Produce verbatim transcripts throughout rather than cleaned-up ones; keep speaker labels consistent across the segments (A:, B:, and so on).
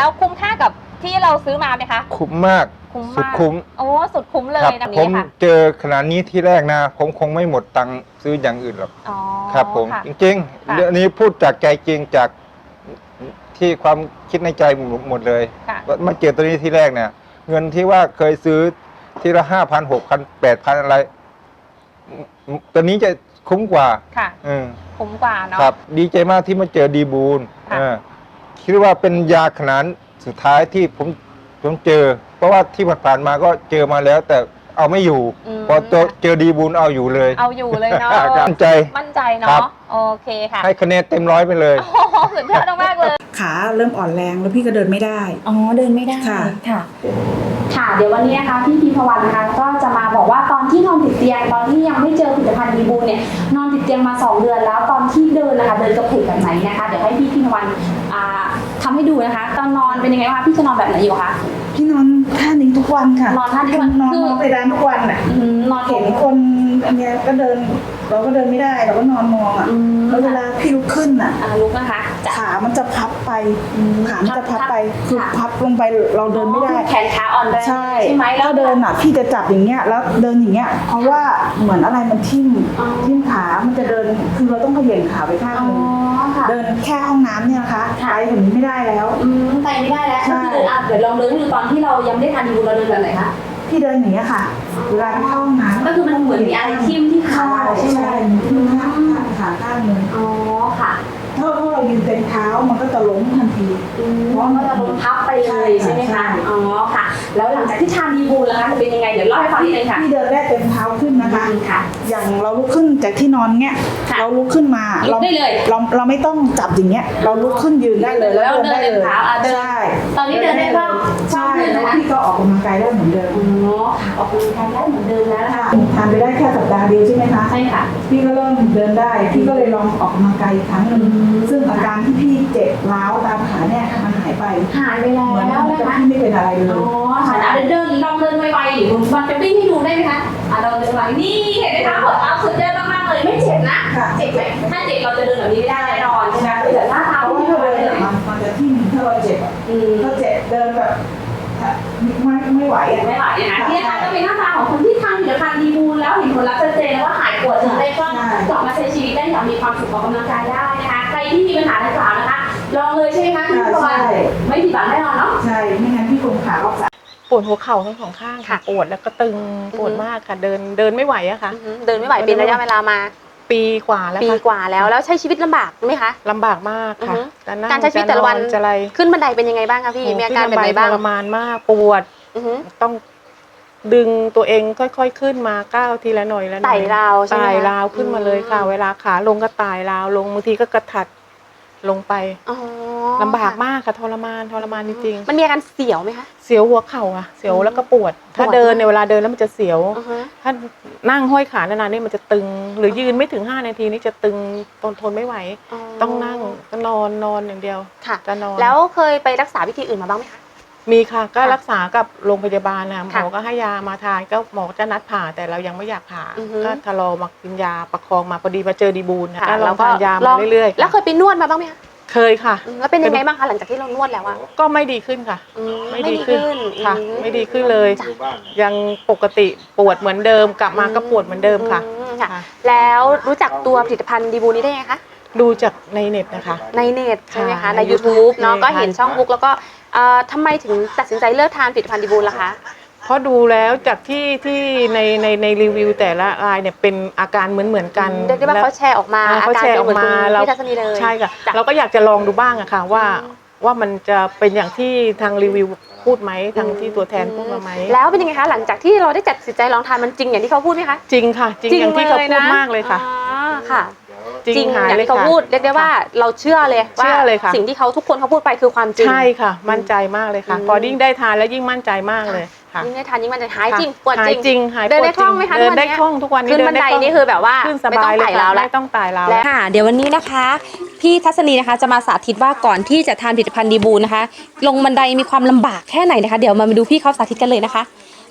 A: แล้วคุ้มค่ากับที่เราซื้อมาไหมคะ
B: คุ้มมากสุดคุ้ม
A: โอ้สุดคุ้มเลยนะ
B: ผมเจอขนาดนี้ที่แรกนะผมคงไม่หมดตังค์ซื้ออย่างอื่นหรอกครับผมจริงๆเรื่องนี้พูดจากใจจริงจากที่ความคิดในใจหมดเลยมาเจอตัวนี้ที่แรกเนี่ยเงินที่ว่าเคยซื้อทีละห้าพันหกพันแปดพันอะไรตัวนี้จะคุ้มกว่า
A: ค่ะคุ้มกว่าเนาะ
B: ครับดีใจมากที่มาเจอดีบูลคิดว่าเป็นยาขนาดสุดท้ายที่ผมผมเจอเพราะว่าที่ผ่านมาก็เจอมาแล้วแต่เอาไม่อยู่พอเจอดีบูลเอาอยู่เลย
A: เอาอยู่เลยเนาะ
B: มั่นใจ
A: มั่นใจเนาะโอเคค่ะ
B: ให้คะแนนเต็มร้อยไปเลย
A: โอ้โหสุดยอดมากเลย
C: ขาเริ่มอ่อนแรงแล้วพี่ก็เดินไม่ได้
A: อ๋อเดินไม่ได้
C: ค่ะ
A: ค่ะค่ะเดี๋ยววันนี้นะคะพี่พีพวันนะคะก็จะมาบอกว่าตอนที่นอนติดเตียงตอนที่ยังไม่เจอผลิตภัณฑ์ดีบูลเนี่ยนอนติดเตียงมาสองเดือนแล้วตอนที่เดินนะคะเดินกระเพกแบบไหนนะคะเดี๋ยวให้พี่พีพวันทำให้ดูนะคะตอนนอนเป็นยังไงบ้างพี่จะนอนแบบไหนอยู่คะ
C: พี่นอนท่านี้ทุกวันค่ะ
A: นอนท่านี้
C: นอนนอนไปร้านทุกวันอ่ะ
A: นอน
C: เห็นคนอันเนี้ยก็เดินเราก็เดินไม่ได้เราก็นอนมองอ่ะแล้วเวลาพี่ลุกขึ้นอ่ะ
A: ลุกนะคะ
C: ขามันจะพับไปขามันจะพับไปคือพับลงไปเราเดินไม่ได้
A: แขนขาอ่อนแรง
C: ใช่ไหมแล้วเดินอ่ะพี่จะจับอย่างเงี้ยแล้วเดินอย่างเงี้ยเพราะว่าเหมือนอะไรมันทิ่มทิ่มขามันจะเดินคือเราต้องเขย่งขาไปข้างนึงเดินแค่ห้องน้ำเนี่ยนะคะไปถึงไม่ได้แล้ว
A: ไปไม่ได้แล้วก็คือเดี๋ยวลองเดินดูตอนที่เรายังไม่ได้ทานดีบูลเราเดินแบบไหนคะ
C: พี่เดินอย่างเงี้ยค่ะเวลาไปเข้าห้องน้ำ
A: ก็คือมันเหมือนมีอะไรทิ่มที่ขาใช่ไหม
C: ทิ่มขาขาข้างนึง
A: อ๋อค่ะ
C: ถ้าพวกเรายืนเต็มเท้ามันก็จะล้มทันที
A: เพราะมันจะล้มทับไปเลยใช่ไหมคะอ๋อค่ะแล้วหลังจากที่ทานดีบูลแล้วคะจะเป็นยังไงเดี๋ยวเล่าให้ฟังนิดนึงค่ะ
C: พี่เดินได้เต็มเท้าขึ้นนะคะค่ะอย่างเราลุกขึ้นจากที่นอนเงี้ยเราลุกขึ้นมา
A: เราได้เลย
C: เราเราไม่ต้องจับอย่างเงี้ยเราลุกขึ้นยืนได้เลย
A: แล้วเดินได้เลยใช่ตอนนี้เดินได้บ้าง
C: ใช่แล้วพี่ก็ออกกำลังกายได้เหมือนเดิม
A: อ๋อออกกำลังกายได้เหมือนเดิมแล้วนะคะ
C: ทานไปได้แค่สัปดาห์เดียวใช่ไหมคะ
A: ใช่ค่ะ
C: พี่ก็เริ่มเดินได้พี่ก็เลยลองออกกำลังกายอีกครั้งหนึ่งซึ่งอาการที่พี่เจ็บร้าวตามขาเนี่ยมันหายไป
A: หายไปแล้ว
C: นะคะพี่ไม่เป็นอะไรเลย
A: อ๋อค่ะเดินเดินลองเดินไวๆหรือมันจะวิ่งให้ดูได้ไหมคะอ่ะเราเดินไวนี่เห็นไหมคะหัวเท้าสุดยอดมากๆเลยไม่เจ็บนะเจ็บไหมถ้าเจ็บเราจะเดินแบบนี้ไม่ได้แน่นอนใช่ไหมแต่หน้าเท้า
C: ที่เราเดินมันจะที่ถ้าเราเจ็บอ่ะถ้าเจ็บเดินแบบไม่ไม่ไหวอ่ะ
A: ไม่ไหวนะที่นะคะก็เป็นหน้าตาของคนที่ทานผลิตภัณฑ์ดีบูลแล้วเห็นผลลัพธ์ชัดเจนแล้วว่าหายปวดถึงได้ก็กลับมาใช้ชีวิตได้อย่างมีความสุขออกกำลังกายได้นะคะใครที่มีปัญหาดังกล่าวนะคะลองเลยใช่ไหมคะพี่พรไม่ผิดหวังแน่นอนเนาะ
C: ใช่ไม่งั้นพี่คงขาออก
D: ปวดหัวเข่าทั้งสองข้างค่ะปวดแล้วก็ตึงปวดมากค่ะเดินเดินไม่ไหวอะค่ะ
A: เดินไม่ไหวเป็นระยะเวลามา
D: ปีกว่าแล้ว
A: ปีกว่าแล้วแล้วใช้ชีวิตลำบากไหมคะ
D: ลำบากมากค่ะ
A: การใช้ชีวิตแต่ละวันขึ้นบันไดเป็นยังไงบ้างคะพี่มีอาการแบบไหนบ้าง
D: ทรมานมากปวดต้องดึงตัวเองค่อยๆขึ้นมาก้าวทีละหน่อยละหน่อย
A: ไต่ราวใช่ไหม
D: ไต่ราวขึ้นมาเลยค่ะเวลาขาลงก็ไต่ราวลงบางทีก็กระถัดลงไปลำบากมากค่ะทรมานทรมานจริง
A: ๆมันมีอาการเสียวไหมคะ
D: เสียวหัวเข่าอะเสียวแล้วก็ปวดถ้าเดินในเวลาเดินแล้วมันจะเสียวถ้านั่งห้อยขานานๆนี่มันจะตึงหรือยืนไม่ถึงห้านาทีนี่จะตึงทนทนไม่ไหวต้องนั่งก็นอนนอนอย่างเดียว
A: จะนอนแล้วเคยไปรักษาวิธีอื่นมาบ้างไหมคะ
D: มีค่ะก็รักษากับโรงพยาบาลนะหมอก็ให้ยามาทานก็หมอจะนัดผ่าแต่เรายังไม่อยากผ่าก็ทะลอมากินยาประคองมาพอดีมาเจอดีบูลนะเราทานยามาเรื่อยๆ
A: แล้วเคยไปนวดมาบ้างไหมคะ
D: เคยค่ะ
A: แล้วเป็นยังไงบ้างคะหลังจากที่เรานวดแล้วอะ
D: ก็ไม่ดีขึ้นค่ะไม่ดีขึ้นค่ะไม่ดีขึ้นเลยยังปกติปวดเหมือนเดิมกลับมาก็ปวดเหมือนเดิมค่ะ
A: แล้วรู้จักตัวผลิตภัณฑ์ดีบูลนี้ได้ไงคะ
D: ดูจากในเน็ตนะคะ
A: ในเน็ตใช่ไหมคะใน ยูทูบ เนาะก็เห็นช่องบุ๊กแล้วก็ทำไมถึงตัดสินใจเลิกทานผลิตภัณฑ์ดีบูลล่ะคะ
D: เพราะดูแล้วจากที่ที่ในในในรีวิวแต่ละรายเนี่ยเป็นอาการเหมือนเหมือนกัน
A: เรียกได้ว่าเขาแชร์ออกมา
D: เขาแชร์ออกมาเราใช่ค่ะเราก็อยากจะลองดูบ้างอะค่ะว่าว่ามันจะเป็นอย่างที่ทางรีวิวพูดไหมทางที่ตัวแทนพูดมาไหม
A: แล้วเป็นยังไงคะหลังจากที่เราได้จัดสินใจลองทานมันจริงอย่างที่เขาพูดไหมคะ
D: จริงค่ะจริงอย่างที่เขาพูดมากเลยค่ะ
A: ค่ะจริงอย่างที่เขาพูดเรียกได้ว่าเราเชื่อเลยว่าสิ่งที่เขาทุกคนเขาพูดไปคือความจริง
D: ใช่ค่ะมั่นใจมากเลยค่ะพอยิ่งได้ทานแล้วยิ่งมั่นใจมากเลย
A: ยิ่งได้ทานยิ่งมันจะหายจริงปวด
D: จริง
A: เดินได้คล่องไหมคะ
D: เดินได้คล่องทุกวันนี้
A: ขึ้นบันไดนี่คือแบบว่า
D: ขึ้นสบายเลยค่ะไม่ต้องไต่ราว
A: แล้วค่ะเดี๋ยววันนี้นะคะพี่ทัศนีนะคะจะมาสาธิตว่าก่อนที่จะทานผลิตภัณฑ์ดีบูลนะคะลงบันไดมีความลำบากแค่ไหนนะคะเดี๋ยวมาดูพี่เขาสาธิตกันเลยนะคะ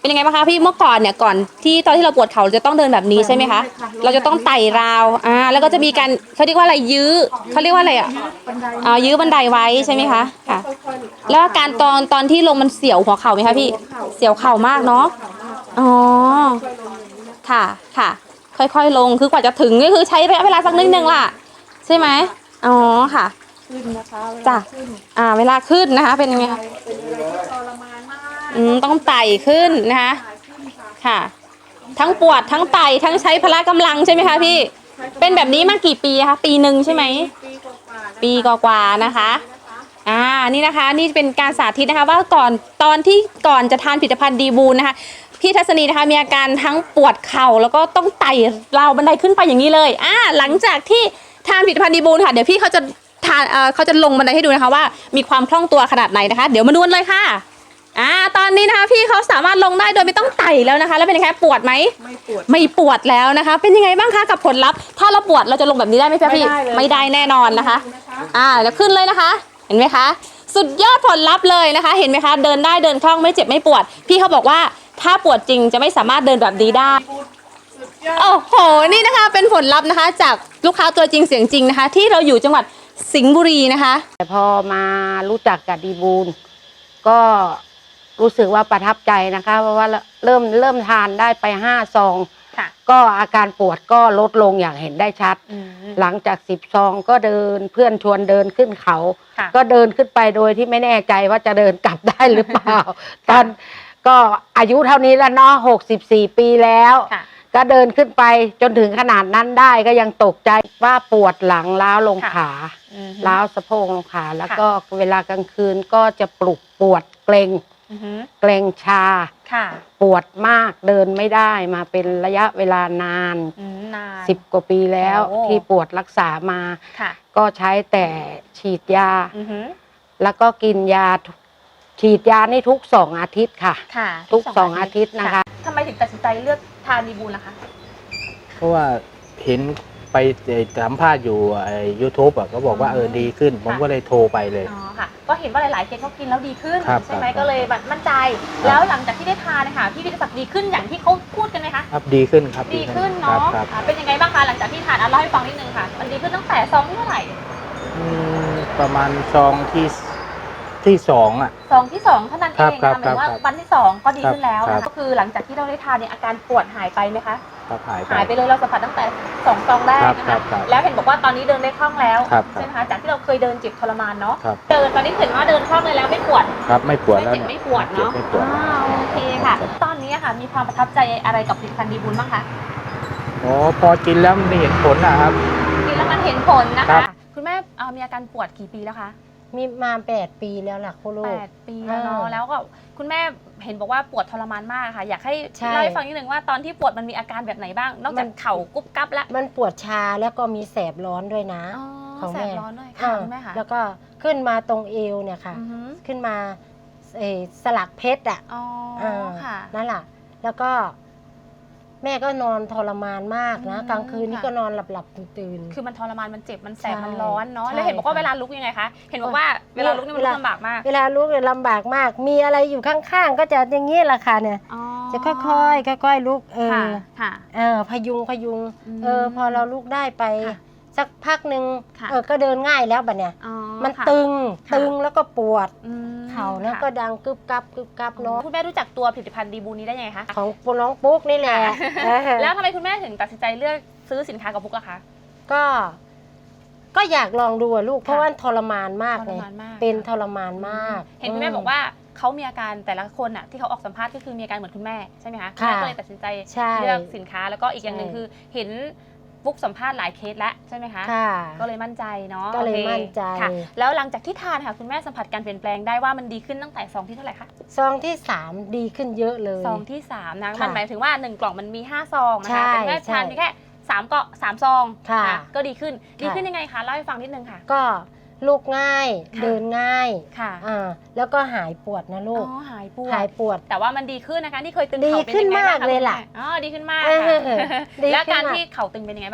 A: เป็นยังไงบ้างคะพี่เมื่อก่อนเนี่ยก่อนที่ตอนที่เราปวดเข่าเราจะต้องเดินแบบนี้ใช่ไหมคะเราจะต้องไต่ราวอ่าแล้วก็จะมีการเขาเรียกว่าอะไรยื้อเขาเรียกว่าอะไรอ่ะอ่ายื้อบันไดไว้ใช่ไหมคะค่ะ แล้วอาการตอนตอนที่ลงมันเสียวหัวเข่าไหมคะพี่เสียวเข่ามากเนาะอ๋อค่ะค่ะ ค่อยๆลงคือกว่าจะถึงก็คือใช้ระยะเวลาสักนิดนึงล่ะใช่ไหมอ๋อค่ะจ้ะอ่าเวลาขึ้นนะคะ เป็นยังไงคะอืมต้องไต่ขึ้นนะคะค่ะ ทั้งปวดทั้งไต่ทั้งใช้พละกำลังใช่ไหมคะพี่เป็นแบบนี้มากี่ปีคะปีหนึ่งใช่ไหมปีกว่าๆนะคะอ่านี่นะคะนี่เป็นการสาธิตนะคะว่าก่อนตอนที่ก่อนจะทานผลิตภัณฑ์ดีบูนนะคะพี่ทัศนีนะคะมีอาการทั้งปวดเข่าแล้วก็ต้องไต่ราวบันไดขึ้นไปอย่างนี้เลยอ่าหลังจากที่ทานผลิตภัณฑ์ดีบูนค่ะเดี๋ยวพี่เขาจะทานเอ่อเขาจะลงบันไดให้ดูนะคะว่ามีความคล่องตัวขนาดไหนนะคะเดี๋ยวมาดูกันเลยค่ะอ่าตอนนี้นะคะพี่เขาสามารถลงได้โดยไม่ต้องไต่แล้วนะคะแล้วเป็นยังไงปวดไหมไม่ปวดไม่ปวดแล้วนะคะ เป็นยังไงบ้างคะกับผลลัพธ์ถ้าเราปวดเราจะลงแบบนี้ได้ไหมพี่ไม่ได้แน่นอนนะคะอ่าแล้วขึ้นเลยนะคะเห็นไหมคะสุดยอดผลลัพธ์เลยนะคะ เห็นไหมคะเดินได้เดินคล่องไม่เจ็บไม่ปวดพี่เขาบอกว่าถ้าปวดจริงจะไม่สามารถเดินแบบนี้ได้โอ้โหนี่นะคะเป็นผลลัพธ์นะคะ จากลูกค้าตัวจริงเสียงจริงนะคะ ที่เราอยู่จังหวัดสิงห์บุรีนะคะ
E: แต่พอมารู้จักกับดีบูลก็รู้สึกว่าประทับใจนะคะเพราะว่าเริ่มเริ่มทานได้ไปห้าซองก็อาการปวดก็ลดลงอย่างเห็นได้ชัดหลังจากสิบซองก็เดินเพื่อนชวนเดินขึ้นเขาก็เดินขึ้นไปโดยที่ไม่แน่ใจว่าจะเดินกลับได้หรือเปล่า ตอนก็อายุเท่านี้แล้วเนาะหกสิบสี่ปีแล้วก็เดินขึ้นไปจนถึงขนาดนั้นได้ก็ยังตกใจว่าปวดหลังล้าวลงขาล้าวสะโพกลงขาแล้วก็เวลากลางคืนก็จะปลุกปวดเกร็งเกร็งชาปวดมากเดินไม่ได้มาเป็นระยะเวลานานสิบกว่าปีแล้วที่ปวดรักษามาก็ใช้แต่ฉีดยาแล้วก็กินยาฉีดยานี่ทุกสองอาทิตย์ค่ะทุกสองอาทิตย์นะคะ
A: ทำไมถึงตัดสินใจเลือกทานดีบูลล่ะคะ
F: เพราะว่าเห็นไปสัมภาษณ์อยู่ไอ้ยูทูบอ่ะก็บอกว่าเออดีขึ้น ผมก็เลยโทรไปเลย
A: อ๋อค่ะก็เห็นว่าหลายๆเคสเขากินแล้วดีขึ้น
F: ครับ
A: ใช่ไหม
F: ครับ
A: ก็เลยแบบมั่นใจ แล้วหลังจากที่ได้ทานนะคะพี่วิทยาศักดิ์ดีขึ้นอย่างที่เขาพูดกันไหมคะ
F: ครับดีขึ้นครับ
A: ดีขึ้นเนาะ
F: ครับ
A: อ่าเป็นยังไงบ้างคะหลังจากที่ทานอ่ะเล่าให้ฟังนิดนึงค่ะมันดีขึ้นตั้งแต่ซองที่เท่าไหร่
F: อืมประมาณซองที่ที่สองอ่ะ
A: ซองที่สองเท่านั้นเอง
F: ครั
A: นะ
F: บ
A: หมายถึงว่า
F: ครับ
A: วันที่สองก็ดีขึ้นแล้ว
F: ครั
A: นะ
F: บ
A: ก็คือหลังจากที่เราได้ทานเนี่ยอาการปวดหายไปไหมคะ
F: ครับหายไป
A: หายไปเลยเราสัมผัสตั้งแต่สองซองแรกนะ
F: ครั
A: คะ
F: บครับ
A: แล้วเห็นบอกว่าตอนนี้เดินได้คล่องแล้ว
F: ครับ
A: ใช่ไหมคะจากที่เราเคยเดินเจ็บทรมานเนาะ
F: ครับ
A: เดินตอนนี้เห็นว่าเดินคล่องเลยแล้วไม่ปวด
F: ครับไม่ปวด
A: ไม่
F: แล้ว
A: เจ็บ
F: เนี่ย
A: ไม่ปวดเนาะ
F: ไม่ปวด
A: อ่าโอเคค่ะ ตอนนี้อะค่ะมีความประทับใจอะไรกับผลิตภัณฑ์ดีบุญบ้างคะ
F: โอ้พอกินแล้วมันเห็นผลนะครับ
A: กินแล้วมันเห็นผลนะ
F: ครั
A: คะ
F: บ
A: คุณแม่เอ่อมีอาการปวดกี่ปีแล้วคะ
E: มีมาแปดปีแล้วล่ะคุณลู
A: แป
E: ก
A: ดปีแล้วเนาะ
E: อ่า
A: แล้วก็คุณแม่เห็นบอกว่าปวดทรมานมากค่ะ อยากให้
E: ใช่
A: เล่าให้ฟังนิดนึงว่าตอนที่ปวดมันมีอาการแบบไหนบ้าง นอกจากเข่ากุ๊บกั๊บแล้ว
E: มันปวดชาแล้วก็มีแสบร้อนด้วยนะ
A: อ๋อ
E: ของ
A: แส
E: แม่
A: บร้อนด้วยค่ะ
E: อ่า
A: คุณแม่ค่ะ
E: แล้วก็ขึ้นมาตรงเอวเนี่ยค่ะ
A: อือฮึ
E: ขึ้นมาเอ่อสลักเพชรอ่ะ
A: อ๋อ
E: อ่า
A: ค่ะ
E: นั่นแหละแล้วก็แม่ก็นอนทรมานมากนะ
A: อืม
E: กลางคืนนี่
A: ค่ะ
E: ก็นอนหลับหลับๆตื่น
A: คือมันทรมานมันเจ็บมันแสบ
E: ใช่
A: มันร้อนเนาะ
E: ใช่
A: แล้วเห็นบอกว่า
E: ค่ะ
A: เวลาลุกยังไงคะเห็นบอกว่าเวลาลุกนี่มันลุกลำบากมาก
E: เวลาลุกเนี่ยลำบากมาก มีอะไรอยู่ข้างๆ ก็จะอย่างนี้แหละค่ะเนี่ย
A: อ๋อ
E: จะค่อยๆค่อยๆลุกเอ
A: ค่ะ
E: อ
A: ค่ะ
E: เออพยุงพยุง
A: อืม
E: เออพอเราลุกได้ไป
A: ค่ะ
E: สักพักหนึ่ง
A: ค่ะ
E: เออก็เดินง่ายแล้วบัดเนี่ย
A: อ๋อ
E: มัน
A: ค่ะ
E: ตึง
A: ค่ะ
E: ตึงแล้วก็ปวด
A: อืม
E: เข่าแล้ว
A: ค่ะ
E: ก็ดังกึบกับกึบกับเนาะ
A: คุณแม่รู้จักตัวผลิตภัณฑ์ดีบูนี้ได้ยังไงคะ
E: ของน้องปุ๊กนี่แหละเออ
A: แล้วทำไมคุณแม่ถึงตัดสินใจเลือกซื้อสินค้ากับพุกล่ะคะ
E: ก็ ก็อยากลองดูอะลูก เพราะ
A: ค่ะ
E: ว่าทรมานมาก
A: ท
E: เล
A: ร
E: ย
A: มานมาก
E: เป็นทรมานมาก
A: เห็นคุณแม่บอกว่าเขามีอาการแต่ละคนอ่ะที่เขาออกสัมภาษณ์ก็คือมีอาการเหมือนคุณแม่ใช่ไหมคะ
E: ค่ะ
A: แม่ก็เลยตัดสินใจ
E: ใช่
A: เลือกสินค้าแล้วก็อีกอย่างหนึ่ง
E: ใช่
A: คือเห็นฟุกสัมภาษณ์หลายเคสแล้วใช่ไหมคะ
E: ค่ะ
A: ก็เลยมั่นใจเนาะ
E: ก็เลย
A: โอค
E: มั่นใจ
A: ค่ะ แล้วหลังจากที่ทานค่ะคุณแม่สัมผัสการเปลี่ยนแปลงได้ว่ามันดีขึ้นตั้งแต่ซองที่เท่าไหร่คะ
E: ซองที่สามดีขึ้นเยอะเลย
A: ซองที่สามนะ
E: ค่ะ
A: มันหมายถึงว่าหนึ่งกล่องมันมีห้าซองนะ
E: ใช่
A: คะแต่คุณแม่
E: ใช่
A: ทานเพียงแค่สามเกาะสามซอง
E: ค่ะ
A: นก็ดีขึ้นดี
E: ค่ะ
A: ขึ้นยังไงคะเล่าให้ฟังนิดนึงค่ะ
E: ก็ลุกง่าย
A: ค่ะ
E: เดินง่าย
A: ค่ะ
E: อ่าแล้วก็หายปวดนะ
A: อ๋
E: ลูก
A: อหายปว
E: หาย
A: ด
E: ปวด
A: แต่ว่ามันดีขึ้นนะคะที่เคยตึง
E: ดี
A: เข่าเป็น
E: ขึ้น
A: ยังไงบ้าง
E: มาก
A: คะ
E: เลยล่ะ
A: คุณแม่อ๋อดีขึ้นมาก
E: เออ
A: ค่ะ
E: ดี
A: แล้ว
E: ขึ้น
A: การ
E: มาก
A: ที่เข่าตึงเป็นยังไงบ้างคะ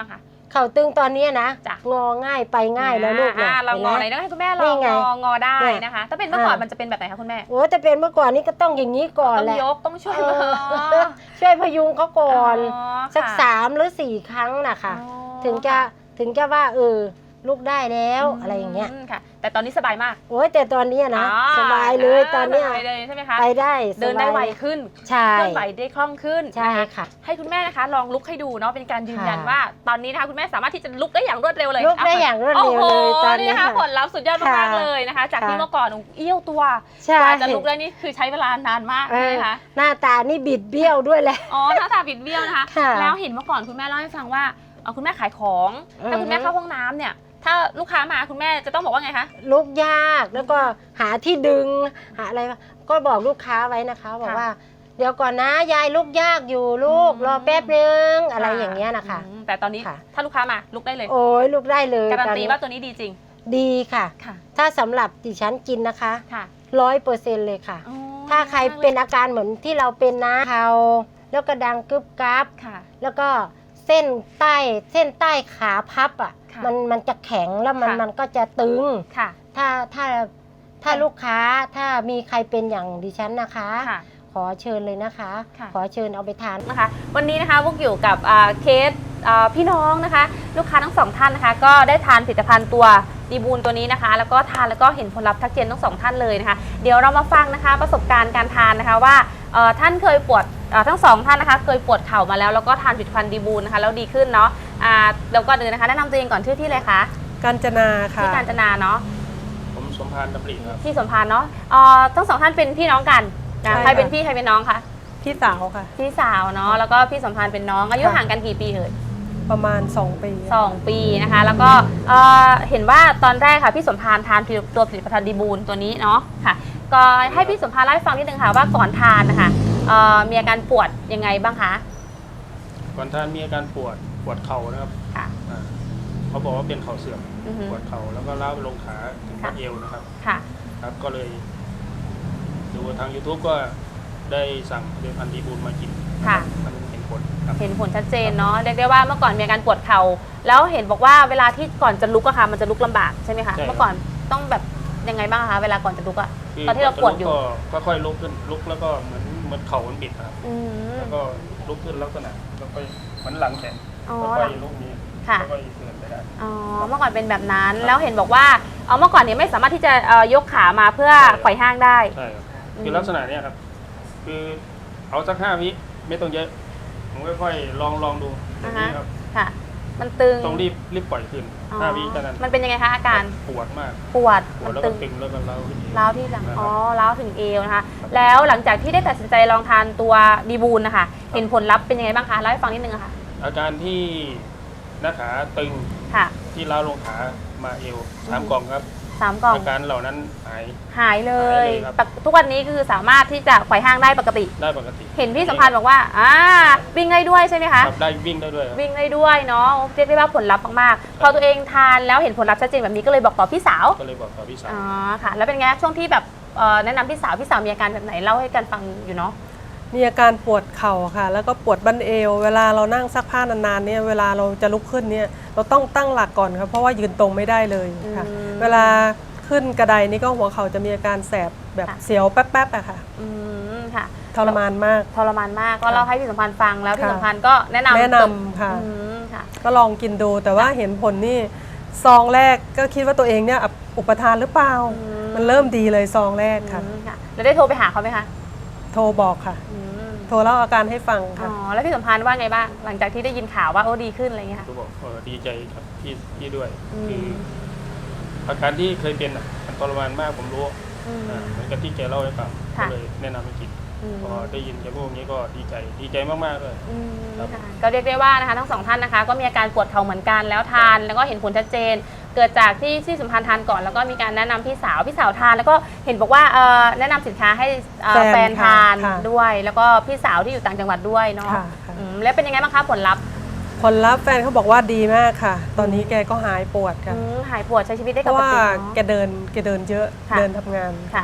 G: เข่าตึงตอนนี้นะ
A: จ้ะ
G: งอง่ายไปง่ายแล้วลูก
A: อ่า
G: นะ
A: เรางอไหน
G: ห็น
A: ต้
G: ไหม
A: องให้คุณแม่ล
G: นี่
A: อง
G: ไง
A: งองอได้
G: เนี่ย
A: นะคะ ถ้าเป็นเมื่อก่อน
G: อ่ามั
A: มันจะเป็นแบบไหนคะคุณแม่
G: โอ้แต่เป็นเมื่อก่อนนี้ก็ต้องอย่างนี้ก่อน
A: ต้อง
G: แหละ
A: ยกต้องช่วย
G: เอ
A: มือ
G: อช่วยพยุงเขาก่อน
A: อ๋อ
G: สัก
A: ค่ะ
G: สามหรือสี่ครั้งนะคะ
A: อ๋อ
G: ถึงจะถึงจะว่าเออลูกได้แล้วอะไรอย่างเงี้ย
A: มค่ะ แต่ตอนนี้สบายมาก
G: โอ้ยแต่ตอนเนี้ยนะ
A: อ๋อ
G: สบายเลยตอนเนี้ย
A: สบายเลยใช่ไหมคะ
G: ไปได้สบาย
A: เดินได้ไวขึ้น
G: ใช่
A: เคลื่อนไหวได้คล่องขึ้น
G: ใช่
A: นะคะ
G: ค่ะ
A: ให้คุณแม่นะคะลองลุกให้ดูเนาะเป็นการยืนยัน
G: ค่ะ
A: ว่า ตอนนี้นะคะคุณแม่สามารถที่จะลุกได้อย่างรวดเร็วเลย
G: ลุกได้อย่างรวดเร็วเลย
A: โอ้โห
G: ตอนนี้
A: นี่นะคะ
G: ค่ะ
A: ผลลัพธ์สุดยอดมาก
G: ค่ะ
A: ๆเลยนะคะ จากที่
G: ค่ะ
A: เมื่อก่อนเอี้ยวตัว
G: ใช่
A: กว่าจะลุกได้นี่คือใช้เวลานานมาก
G: เอ
A: ใช่ไห
G: อ
A: มคะ
G: หน้าตานี่บิดเบี้ยวด้วยแหละ
A: อ๋อหน้าตาบิดเบี้ยวนะคะ
G: ค่ะ
A: แล้วเห็นเมื่อก่อนคุณแม่เล่าให้ฟังว่าเอ่อคุณแม่ขายของ ถ้าคุณแม่เข้าห้องน้ำเนี่ย ถ้าลูกค้ามาคุณแม่จะต้องบอกว่าไงคะ
G: ลุกยากแล้วก็หาที่ดึงหาอะไรก็บอกลูกค้าไว้นะคะบอก
A: ค่ะ
G: ว่า เดี๋ยวก่อนนะยายลุกยากอยู่ลูก
A: อืม
G: รอแป๊บนึงอะไรอย่างเงี้ยนะคะ
A: อืมแต่ตอนนี้
G: ค่ะ
A: ถ้าลูกค้ามาลุกได้เลย
G: โอ้ยลุกได้เลย
A: การัน
G: ตอน
A: ตี
G: นี้
A: ว่าตัวนี้ดีจริง
G: ดีค่ะ
A: ค่ะ
G: ถ้าสำหรับดิฉันกินนะคะ
A: ค่ะ
G: ร้อยเปอร์เซ็นต์เลยค่ะ
A: อ๋อ
G: ถ้าใครเป็นอาการเหมือนที่เราเป็นนะเขาแล้วก็ดังกึบกับ
A: ค่ะ
G: แล้วก็เส้นใต้เส้นใต้ขาพับอ่ะ
A: ค่ะ
G: มันมันจะแข็งแล้วมัน
A: ค่ะ
G: มันก็จะตึง
A: ค่ะ
G: ถ้าถ้าถ้าลูกค้าถ้ามีใครเป็นอย่างดิฉันนะคะ
A: ค่ะ
G: ขอเชิญเลยนะคะ
A: ค่ะ
G: ขอเชิญเอาไปทาน
A: นะคะวันนี้นะคะพวกอยู่กับอ่าเคสอ่าพี่น้องนะคะ ลูกค้าทั้งสองท่านนะคะ ก็ได้ทานผลิตภัณฑ์ตัวดีบูลตัวนี้นะคะ แล้วก็ทานแล้วก็เห็นผลลัพธ์ทักเจนทั้งสองท่านเลยนะคะ เดี๋ยวเรามาฟังนะคะประสบการณ์การทานนะคะว่าเอ่อท่านเคยปวดเอ่อทั้งสองท่านนะคะ เคยปวดเข่ามาแล้วแล้วก็ทานผลิตภัณฑ์ดีบูลนะคะแล้วดีขึ้นเนาะอ่าเดี๋ยวก่อนอื่นนะคะแนะนำตัวเองก่อนชื่อที่เลยคะ
H: กาญจนาค่ะ
A: ที่การจนาเนาะ
I: ผมสมพานดำริครับ
A: ที่สมพานเนาะเอ่อทั้งสองท่านเป็นพี่น้องกันนะ
H: ใช่
A: ใครเป็น
H: ค่ะ
A: พี่ใครเป็นน้องคะ
H: พี่สาวค่ะ
A: พี่สาวเนาะแล้วก็พี่สมพานเป็นน้องอายุ
H: ค่ะ
A: ห่างกันกี่ปีเอ่ย
H: ประมาณสองปี
A: สองปีนะคะ แล้วก็เอ่อเห็นว่าตอนแรกค่ะพี่สมพานทานตัวผลิตภัณฑ์ดีบูลตัวนี้เนาะค่ะ ก็ให้พี่สมพานเล่าให้ฟังนิดนึงค่ะว่าก่อนทานนะคะเอ่อมีอาการปวดยังไงบ้างคะ
I: ก่อนท่านมีอาการปวดปวดเข่านะครับ
A: ค่ะ
I: อ่าเขาบอกว่าเป็นเข่าเสื่อม
A: อือฮึ
I: ปวดเข่าแล้วก็ล้าวไปลงขาถึง
A: ค่ะ
I: บัดเอวนะครับ
A: ค่ะ
I: ครับก็เลยดูทาง YouTube ก็ได้สั่งผลิตภัณฑ์ดีบูลมากิน
A: ค่ะ
I: มันเห็นผลครับ
A: เห็นผลชัดเจนเนาะเรียกได้ว่าเมื่อก่อนมีอาการปวดเข่าแล้วเห็นบอกว่าเวลาที่ก่อนจะลุกอะค่ะมันจะลุกลำบากใช่ไหมคะ
I: ใช่ครับ
A: เมื่อก่อนต้องแบบยังไงบ้างคะเวลาก่อนจะลุกอะ
I: คื
A: ตอนที่เราปวดอยู่
I: ก็ก็ค่อยลุกขึ้นลุกแล้วก็เหมือนเหมือนเข่ามันบิดครับ
A: อืม
I: แล้วก็ลุกขึ้นลักษณะแล้วก็เหมือนหลังแข็ง
A: อ๋อ
I: แล้วก็ลุกนี้
A: ค่ะ
I: แล้วก็เดินไปได้
A: อ๋อเมื่อก่อนเป็นแบบนั้นแล้วเห็นบอกว่าเอาเมื่อก่อนเนี่ยไม่สามารถที่จะเอ่อยกขามาเพื่อ
I: ใช่
A: ไขว่ห้างได้
I: ใช่ครับ
A: อืม
I: คือลักษณะเนี้ยครับ คือเอาสักห้าวิไม่ต้องเยอะ ผมค่อยๆลองลองดูอย่างนี้ครับ
A: ค่ะ มันตึง
I: ต้องรีบรีบปล่อยขึ้น
A: อ๋อ
I: ห้าวิแค่นั้น
A: มันเป็นยังไงคะอาการ
I: ปวดมาก
A: ปวด
I: ปว
A: มั
I: ด
A: น
I: แล้ว
A: ตึ
I: ก็
A: ง
I: ตึงแล้วก็เล้าวขึ้นเอง
A: ร้าวที่หลัง
I: นะครับ
A: อ๋อร้าวถึงเอวนะคะ แล้วหลังจากที่ได้ตัดสินใจลองทานตัวดีบูลนะคะ เห็นผลลัพธ์เป็นยังไงบ้างคะเล่าให้ฟังนิดนึงอะค่ะ
I: อาการที่หน้าขาตึง
A: ค่ะ
I: ที่ล้าวลงขามาเอวสามกล่องครับ
A: สามกล่อง
I: อาการเหล่านั้นหาย
A: หายเล
I: หาย ยเลยครับ
A: ปกทุกวันนี้คือสามารถที่จะไขว่ห้างได้ปกติ
I: ได้ปกติ
A: เห็นพี่สัมพันธ์บอกว่าอ่าวิ่งได้ด้วยใช่ไหมคะ
I: ครับได้วิ่งได้ด้วยครับ
A: วิ่งได้ด้วยเนาะเรียกได้ว่าผลลัพธ์มากๆ พอตัวเองทานแล้วเห็นผลลัพธ์ชัดเจนแบบนี้ก็เลยบอกต่อพี่สาว
I: ก็เลยบอกกับพี่สาว
A: อ๋อค่ะ แล้วเป็นไงช่วงที่แบบเอ่อแนะนำพี่สาวพี่สาวมีอาการแบบไหนเล่าให้กันฟังอยู่เนาะ
H: มีอาการปวดเข่าค่ะ แล้วก็ปวดบั้นเอว เวลาเรานั่งซักผ้านานๆเนี่ยเวลาเราจะลุกขึ้นเนี่ยเราต้องตั้งหลักก่อนครับเพราะว่ายืนตรงไม่ได้เลยค่ะ
A: อืม
H: เวลาขึ้นกระไดนี่ก็หัวเข่าจะมีอาการแสบแบบ
A: ค่ะ
H: เสียวแป๊บๆอะค่ะ
A: อืมค่ะ
H: ทรมานมาก
A: ทรมานมากก็เล่าให้พี่สัมพันธ์ฟังแล้วพี่
H: ค่ะ
A: สัมพันธ์ก็แนะนำ
H: แนะนำค่ะ
A: อืมค่ะ
H: ก็ลองกินดูแต่ว่าเห็นผลนี่ซองแรกก็คิดว่าตัวเองเนี่ยอุปทานหรือเปล่า
A: อืม
H: มันเริ่มดีเลยซองแรกค่ะ
A: อืมค่ะแล้วได้โทรไปหาเขาไหมคะ
H: โทรบอกค่ะ
A: อืม
H: โทรเล่าอาการให้ฟัง
A: อ๋
H: ค่ะ
A: อแล้วพี่สัมพันธ์ว่าไงบ้างหลังจากที่ได้ยินข่าวว่าโอ้ดีขึ้นอะไรอย่างเงี้ยค่ะ
I: ก็บอกเออดีใจครับพี่พี่ด้วย
A: อืม
I: คืออาการที่เคยเป็นอ่ะมันทรมานมากผมรู้
A: อืม
I: อ่าเหมือนกับที่แกเล่าให้ฟังก็
A: ค่ะ
I: เลยแนะนำให้กิน
A: อืม
I: พอได้ยินแกพูดอย่างนี้ก็ดีใจดีใจมากๆเลย
A: อืม
I: ครับ
A: ค่ะก็เรียกได้ว่านะคะทั้งสองท่านนะคะ ก็มีอาการปวดเข่าเหมือนกันแล้วทานแล้วก็เห็นผลชัดเจน เกิดจากที่ที่สัมพันธ์ทานก่อนแล้วก็มีการแนะนำพี่สาวพี่สาวทาน แล้วก็เห็นบอกว่าเอ่อแนะนำสินค้าให้เอ่อ
H: แฟน
A: แฟนทาน
H: ค่ะ
A: ด้วย แล้วก็พี่สาวที่อยู่ต่างจังหวัดด้วยเนาะ
H: ค่ะค่ะ
A: อืมแล้วเป็นยังไงบ้างคะผลลัพธ์
H: ผลลัพธ์แฟนเขาบอกว่าดีมากค่ะ ตอนนี้แกก็หายปวดค่ะ
A: อืมหายปวดใช้ชีวิตได้
H: เพ
A: ป
H: ราะ
A: ก
H: ว่า
A: ติ
H: แก
A: เนาะ
H: เดินแกเดินเยอะ
A: ค่ะ
H: เดินทำงาน
A: ค่ะ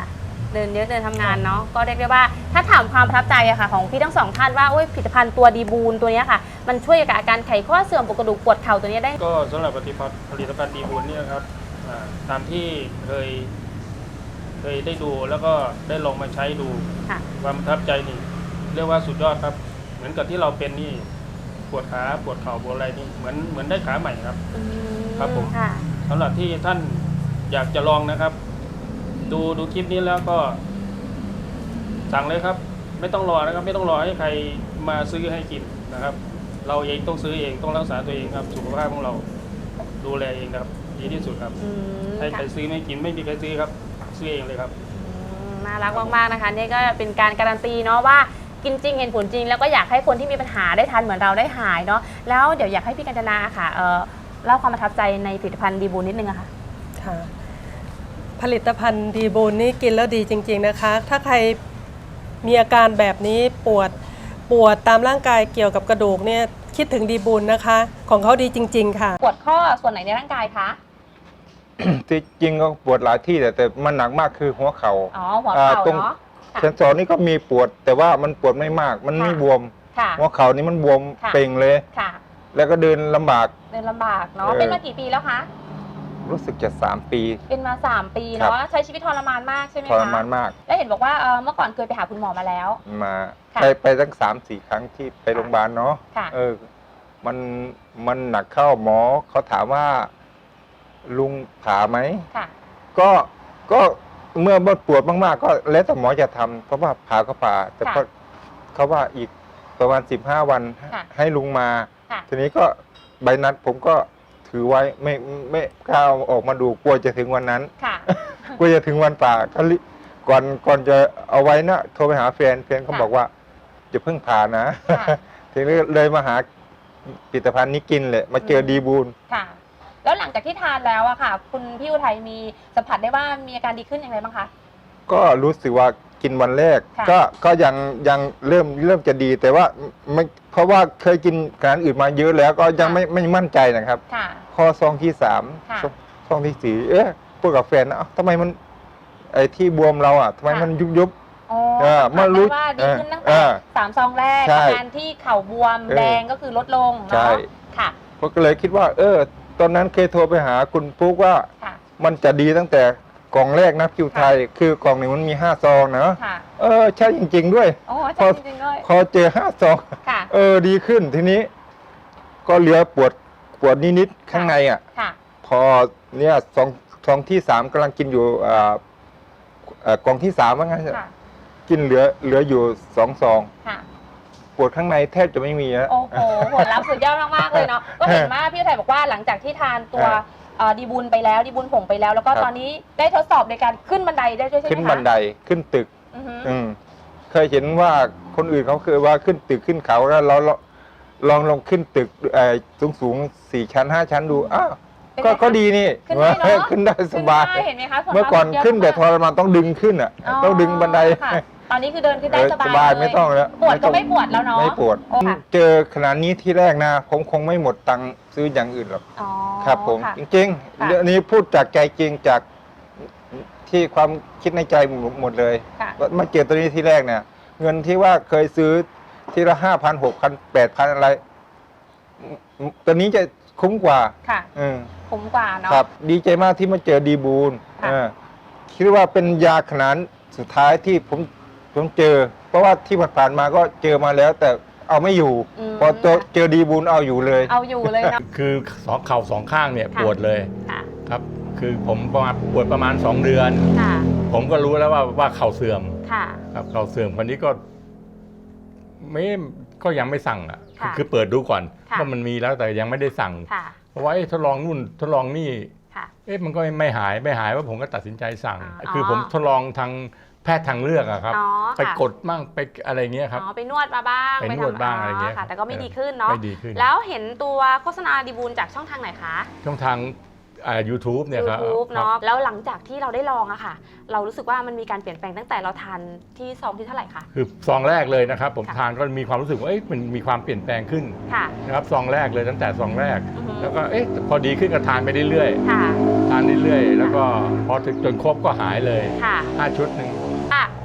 J: เดินเยอะเดินทำงานเนาะก็เรียกได้ว่าถ้าถามความประทับใจอะค่ะของพี่ทั้งสองท่านว่าโอ้ยผลิตภัณฑ์ตัวดีบูนตัวเนี้ยค่ะมันช่วยกับอาการไขข้อเสื่อมปวดกระดูกปวดเข่าตัวเนี้ยได้
I: ก็สำหรับผลิตภัณฑ์ผลิตภัณฑ์ดีบูนเนี่ยครับอ่าตามที่เคยเคยได้ดูแล้วก็ได้ลองมาใช้ดู
J: ค่ะ
I: ความประทับใจนี่เรียกว่าสุดยอดครับ เหมือนกับที่เราเป็นนี่ปวดขาปวดเข่าปวดอะไรนี่เหมือนเหมือนได้ขาใหม่ครับ
J: อืม
I: ครับผม
J: ค่ะ
I: สำหรับที่ท่านอยากจะลองนะครับ ดูดูคลิปนี้แล้วก็สั่งเลยครับ ไม่ต้องรอนะครับ ไม่ต้องรอให้ใครมาซื้อให้กินนะครับ เราเองต้องซื้อเองต้องรักษาตัวเองครับ สุขภาพของเราดูแลเองครับดีที่สุดครับ
J: อืม
I: ให้ใคร
J: ค่ะ
I: ซื้อไม่กินไม่มีใครซื้อครับ ซื้อเองเลยครับ
J: อืมน่ารักมากๆนะคะนี่ก็เป็นการการันตีเนาะว่ากินจริงเห็นผลจริง แล้วก็อยากให้คนที่มีปัญหาได้ทานเหมือนเราได้หายเนาะแล้วเดี๋ยวอยากให้พี่กัญจนาค่ะเอ่อเล่าความประทับใจในผลิตภัณฑ์ดีบูนนิดนึงอะค่ะ
H: ค่ะผลิตภัณฑ์ดีบูนนี่กินแล้วดีจริงๆนะคะ ถ้าใครมีอาการแบบนี้ปวดปวดตามร่างกายเกี่ยวกับกระดูกเนี่ยคิดถึงดีบูนนะคะ ของเขาดีจริงๆค่ะ
J: ปวดข้อส่วนไหนในร่างกายคะ
B: ที่จริงก็ปวดหลายที่แต่แต่มันหนักมากคือหัวเขา
J: อ๋
B: ่า
J: อหัวเข่า
B: ตรง
J: เนาะค่ะ
B: เซนสอนนี่ก็มีปวด แต่ว่ามันปวดไม่มาก มันไม่
J: ค่ะ
B: บวม
J: ค่ะ
B: หัวเข่านี่มันบวม
J: ค่ะ
B: เป่งเลย
J: ค่ะ
B: แล้วก็เดินลำบาก
J: เดินลำบากเนาะ
B: เออ
J: เป็นมากี่ปีแล้วคะ
B: รู้สึกจะสามปี
J: เป็นมาสามปี
B: ครั
J: เนาะ
B: บ
J: ใช้ชีวิตทรมานมากใช่ไหม
B: ท
J: คะ
B: รมานมาก
J: แล้วเห็นบอกว่าเอ่อเมื่อก่อนเคยไปหาคุณหมอมาแล้ว
B: มา
J: ค่ะ
B: ไปไปตั้งสามสี่ครั้งที่ไปโรงพยาบาลเนาะ
J: ค่ะ
B: เออ มันมันหนักเข้าหมอเขาถามว่า ลุงผ่าไหม
J: ค่ะ
B: ก็ก็เมื่อปวดมากๆ ก็แล้วแต่หมอจะทำเพราะว่าผ่าก็ผ่า แต่
J: ค่ะ
B: ก็เขาว่าอีกประมาณสิบห้าวัน
J: ค่ะ
B: ให้ลุงมา
J: ค่ะ
B: ทีนี้ก็ใบนัดผมก็ถือไว้ไม่ไม่กล้าเอาออกมาดูกลัวจะถึงวันนั้น
J: ค่ะ
B: กลัวจะถึงวันป่าก็รีก่อนก่อนจะเอาไว้นะโทรไปหาแฟนแฟนเขา
J: ค่ะ
B: บอกว่าจะเพิ่งผ่านะ
J: ค่ะ
B: ทีนี้เลยมาหาผลิตภัณฑ์นี้กินเลยมาเจอดีบูล
J: ค่ะ แล้วหลังจากที่ทานแล้วอะค่ะ คุณพี่อุทัยมีสัมผัสได้ว่ามีอาการดีขึ้นอย่างไรบ้างคะ
B: ก็รู้สึกว่ากินวันแรก
J: ค่ะ
B: ก็ก็ยังยังเริ่มเริ่มจะดีแต่ว่าไม่เพราะว่าเคยกินอาหารอื่นมาเยอะแล้วก็ยังไม่ไม่มั่นใจนะครับ
J: ค่ะ
B: พอซองที่สาม
J: ค่ะ
B: ซองซองที่สี่เอ๊ะพูดกับแฟนนะเอ้าทำไมมันไอ้ที่บวมเราอ่ะทำไม
J: ค่ะ
B: มันยุบยุบ
J: อ๋อ
B: เออ
J: สัมผัส
B: เมื่อรู้
J: ได้ว่าดีขึ้นตั้ง
B: เอ
J: แต่
B: อ
J: สามซองแรก
B: ใช่
J: อาการที่เข่าบวม
B: เออ
J: แดงก็คือลดลง
B: ใช่
J: เนาะค่ะ
B: ผมก็เลยคิดว่า เออ ตอนนั้นเคยโทรไปหาคุณปุ๊กว่า
J: ค่ะ
B: มันจะดีตั้งแต่กล่องแรกนะคิวไทย คือกล่องหนึ่งมันมีห้าซองนะ
J: ค่ะ
B: เออใช่จริง ๆ ด้วย
J: โอ้
B: พอ
J: ใช่จริงๆด้วย
B: พอเจอห้าซอง
J: ค่ะ
B: เออดีขึ้นทีนี้ ก็เหลือปวดปวดนิดๆข้างในอ่ะ
J: ค่ะ
B: พอเนี่ยซองซองที่สามกำลังกินอยู่อ่าเอ่อกล่องที่สามว่างั้น
J: ค่ะ
B: กินเหลือเหลืออยู่สองซอง
J: ค่ะ
B: ปวดข้างในแทบจะไม่มีนะ
J: โอ้โหผลลัพธ์สุดยอดมากๆเลยเนาะ ก็เห็นว่าพี่อุทัยบอกว่าหลังจากที่ทานตัว
B: เออ
J: เอ่อดีบุญไปแล้วดีบุญผงไปแล้ว แล้วก็
B: ครับ
J: ตอนนี้ได้ทดสอบในการขึ้นบันไดได้ด้วยใช่ไหมคะ
B: ขึ้นบันไดขึ้นตึก
J: อือฮึ
B: อืมเคยเห็นว่าคนอื่นเขาเคยว่าขึ้นตึกขึ้นเขาแล้วเราเราลองลองขึ้นตึกสูงสูงๆสี่ชั้นห้าชั้นดูอ้าว
J: เป็นไง
B: ก็
J: คะ
B: ก็ดีนี่
J: ขึ้นได้เนอะ
B: ขึ้นได้สบาย
J: ขึ้นได้เห็นไหมคะส่ว
B: เมื่อก่อน
J: มาก
B: ขึ้นแต่ท
J: เยะ
B: รมานต้องดึงขึ้นอ่ะ
J: อ๋อ
B: ต้องดึงบันได
J: ค่ะตอนนี้คือเดินขึ้นได้
B: เออ
J: สบาย
B: สบาย
J: เล
B: ไม่ต้องแล้ว
J: ปวดก็
B: ต้อง
J: ไม่ปวดแล้วเนาะ
B: ไม่ปวด
J: โอ้ค่ะ
B: เจอขนาดนี้ที่แรกนะ ผมคงไม่หมดตังค์ซื้ออย่างอื่นหรอก
J: อ๋อ
B: ครับผม
J: ค่ะ
B: จริง
J: ค่ะ
B: ๆเรื่องนี้พูดจากใจจริงจากที่ความคิดในใจหมดเลย
J: ค่ะ
B: ว่ามาเจอตัวนี้ที่แรกเนี่ย เงินที่ว่าเคยซื้อทีละห้าพันหกพันแปดพันอะไรอืมตัวนี้จะคุ้มกว่า
J: ค่ะ
B: อืม
J: คุ้มกว่าเนาะ
B: ครับ ดีใจมากที่มาเจอดีบูล
J: ค่ะ
B: เออคิดว่าเป็นยาขนาดสุดท้ายที่ผมผมเจอ เพราะว่าที่ผ่านๆมาก็เจอมาแล้ว แต่เอาไม่อยู่
J: ม
B: พอเจอเจอดีบูลเอาอยู่เลย
J: เอาอยู่เลยเนาะ
K: คือสองเข่าสองข้างเนี่ย
J: ค่ะ
K: ปวดเลย
J: ค่ะ
K: ครับ คือผมประมาณปวดประมาณสองเดือน
J: ค่ะ
K: ผมก็รู้แล้วว่าว่าเข่าเสื่อม
J: ค่ะ
K: ครับเข่าเสื่อมคนนี้ก็ไม่ก็ยังไม่สั่งอ่ะ
J: ค่ะ
K: คือเปิดดูก่อน
J: ค่ะ
K: ว่ามันมีแล้วแต่ยังไม่ได้สั่ง
J: ค่ะ
K: เพราะว่าเอ๊ะทดลองนู่นทดลองนี่
J: ค่ะ
K: เอ๊ะมันก็ไม่หายไม่หายว่าผมก็ตัดสินใจสั่ง
J: อ๋อ
K: คือผมทดลองทางแพทย์ทางเลือกอะครับ
J: อ๋อ
K: ไป
J: ค่ะ
K: กดมั่งไปอะไรเงี้ยครับ
J: อ๋อไปนวดมาบ้าง
K: ไปนวด
J: ทำ
K: บ้างอะไรเงี้ย
J: ค่ะ แต่ก็ไม่
K: เออ
J: ดีขึ้นเนาะ
K: ไม่ดีขึ้น
J: แล้วเห็นตัวโฆษณาดีบูลจากช่องทางไหนคะ
K: ช่องทางอ่า ยูทูบ เนี่ยครับ
J: YouTube
K: ครับ
J: เนาะแล้วหลังจากที่เราได้ลองอะค่ะ เรารู้สึกว่ามันมีการเปลี่ยนแปลงตั้งแต่เราทานที่ซองที่เท่าไหร่คะ
K: คือซองแรกเลยนะครับ ผม
J: ค่ะ
K: ทานก็มีความรู้สึกว่าเอ๊ะมันมีความเปลี่ยนแปลงขึ้น
J: ค่ะ
K: นะครับซองแรกเลยตั้งแต่ซองแรก
J: อือฮึ
K: แล้วก็เอ๊ะพอดีขึ้นก็ทานไปเรื่อย
J: ค่ะ
K: ๆทานเรื่อยๆแล้วก็พอถึงจนครบก็หายเลย
J: ค่ะ
K: ห้าชุดหนึ่ง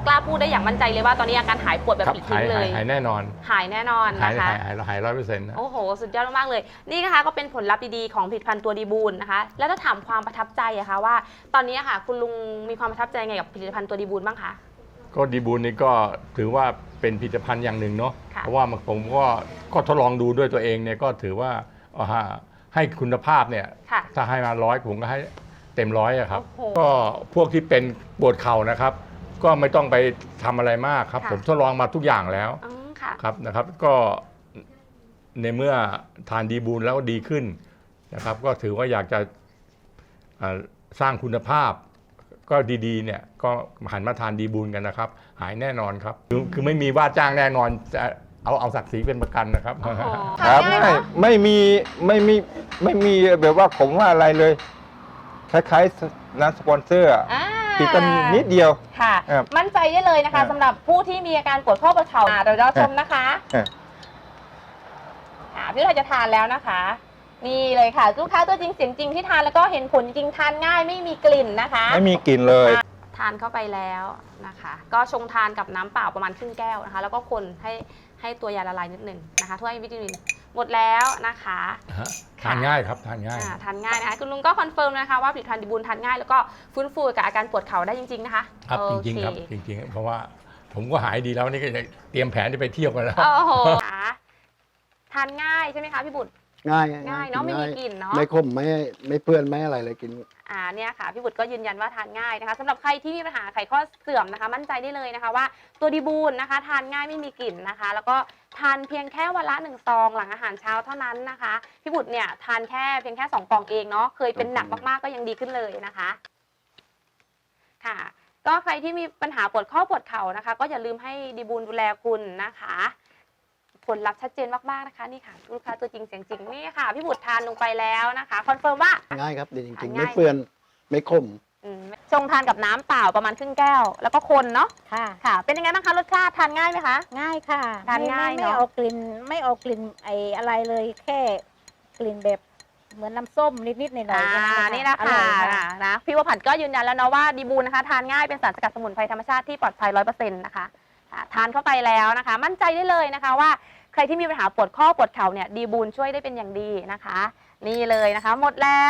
J: กล้าพูดได้อย่างมั่นใจเลยว่าตอนนี้อาการหายปวดแบบ
K: ครับ
J: ปลิด
K: หา
J: ทิ้
K: ย
J: งเล
K: หาย
J: ย
K: หายแน่นอน
J: หายแน่นอน
K: หาย
J: นะคะ
K: หายหายหายร้อยเปอร์เซ็นต์นะ
J: โอ้โห สุดยอดมากๆเลย นี่นะคะก็เป็นผลลัพธ์ดีๆของผลิตภัณฑ์ตัวดีบูลนะคะ แล้วถ้าถามความประทับใจอะคะว่า ตอนนี้อะค่ะคุณลุงมีความประทับใจไงกับผลิตภัณฑ์ตัวดีบูลบ้างคะ
K: ก็ดีบูลนี่ก็ถือว่าเป็นผลิตภัณฑ์อย่างหนึ่งเนาะ
J: ค่ะ
K: เพราะว่าผมก็ก็ทดลองดูด้วยตัวเองเนี่ยก็ถือว่าเอาฮะให้คุณภาพเนี่ย
J: ค่ะ
K: ถ้าให้มาร้อยผมก็ให้เต็มร้อยอะครับ
J: โอ้โห
K: ก็พวกที่เป็นปวดเข่านะครับ ก็ไม่ต้องไปทำอะไรมากครับ
J: ค่ะ
K: ผมทดลองมาทุกอย่างแล้ว
J: อืมค่ะ
K: ครับนะครับ ก็ในเมื่อทานดีบูลแล้วดีขึ้นนะครับ ก็ถือว่าอยากจะอ่าสร้างคุณภาพ ก็ดีๆเนี่ยก็หันมาทานดีบูลกันนะครับ หายแน่นอนครับ คือคือไม่มีว่าจ้างแน่นอนจะเอาเอาศักดิ์ศรีเป็นประกันนะครับ
J: โอ้โห
B: ครับ
J: ทานง่าย
B: ไม่
J: เนอะ
B: ไม่มีไม่มีไม่มีแบบว่าผมว่าอะไรเลย คล้ายๆน้ำสปอนเซอร์อะ
J: อ่า
B: ติดกันนิดเดียว
J: ค่ะ
B: ครับ
J: มั่นใจได้เลยนะ
B: ครั
J: คะ
B: บ
J: สำหรับผู้ที่มีอาการปวดข้อประเข่าอ่าเดี๋ยวเราชมนะคะ
B: ครับ
J: ค่ะพี่เราจะทานแล้วนะคะ นี่เลยค่ะลูกค้าตัวจริงเสียงจริงที่ทานแล้วก็เห็นผลจริงทานง่ายไม่มีกลิ่นนะคะ
B: ไม่มีกลิ่นเลย
J: ทานเข้าไปแล้วนะคะ ก็ชงทานกับน้ำเปล่าประมาณครึ่งแก้วนะคะ แล้วก็คนให้ให้ตัวยาละลายนิดหนึ่งนะคะถ้วยวิตามินหมดแล้วนะคะ
K: ฮะทานง่ายครับทานง่าย
J: อ่าทานง่ายนะคะคุณลุงก็คอนเฟิร์มนะคะว่าผลิตภัณฑ์ดีบูลทานง่ายแล้วก็ฟื้นฟูกับอาการปวดเข่าได้จริงๆนะคะ
K: ครับ
J: โอ
K: จริงๆครับ
J: เค
K: จริงๆ เพราะว่าผมก็หายดีแล้วนี่ก็จะเตรียมแผนจะไปเที่ยวกันแล้ว
J: โอ้โหค่ะทานง่ายใช่ไหมคะพี่บุตร
L: ง่าย
J: ง่ายเนอะไม่มีกลิ่นเนอะ
L: ไม่ขมไม่ไม่เปื้อนไม่อะไรเลยกิน
J: อ่าเนี่ยค่ะพี่บุตรก็ยืนยันว่าทานง่ายนะคะสำหรับใครที่มีปัญหาไขข้อเสื่อมนะคะ มั่นใจได้เลยนะคะว่าตัวดีบูลนะคะ ทานง่ายไม่มีกลิ่นนะคะ แล้วก็ทานเพียงแค่วันละหนึ่งซองหลังอาหารเช้าเท่านั้นนะคะพี่บุตรเนี่ยทานแค่เพียงแค่สองกล่องเองเนาะเคยเป็นหนักมากๆก็ยังดีขึ้นเลยนะคะค่ะ ก็ใครที่มีปัญหาปวดข้อปวดเข่านะคะ ก็อย่าลืมให้ดีบูลดูแลคุณนะคะ ผลลัพธ์ชัดเจนมากๆนะคะนี่ค่ะลูกค้าตัวจริงเสียงจริงนี่ค่ะพี่บุตรทานลงไปแล้วนะคะคอนเฟิร์มว่า
L: ง่ายครับดีจริงๆ
J: ง่าย
L: ไม่เปื้อนไม่ขม
J: อืมชงทานกับน้ำเปล่าประมาณครึ่งแก้ว แล้วก็คนเนาะ
G: ค่ะ
J: ค่ะ เป็นยังไงบ้างคะรสชาติทานง่ายไหมคะ
G: ง่ายค่ะ
J: ทานง่าย
G: ไม่
J: เนอะ
G: ไม่เอากลิ่นไม่เอากลิ่นไออะไรเลยแค่กลิ่นแบบเหมือนน้ำส้มนิดๆหน่อยๆ
J: อ่า
G: แค่
J: นี่นะ
G: อร่
J: คะ
G: อยค่ะ
J: นะพี่วผัดก็ยืนยันแล้วเนาะว่าดีบูลนะคะทานง่ายเป็นสารสกัดสมุนไพรธรรมชาติที่ปลอดภัยร้อยเปอร์เซ็นต์นะคะอ่าทานเข้าไปแล้วนะคะ มั่นใจได้เลยนะคะว่าใครที่มีปัญหาปวดข้อปวดเข่าเนี่ยดีบูลช่วยได้เป็นอย่างดีนะคะ นี่เลยนะคะ หมดแล้ว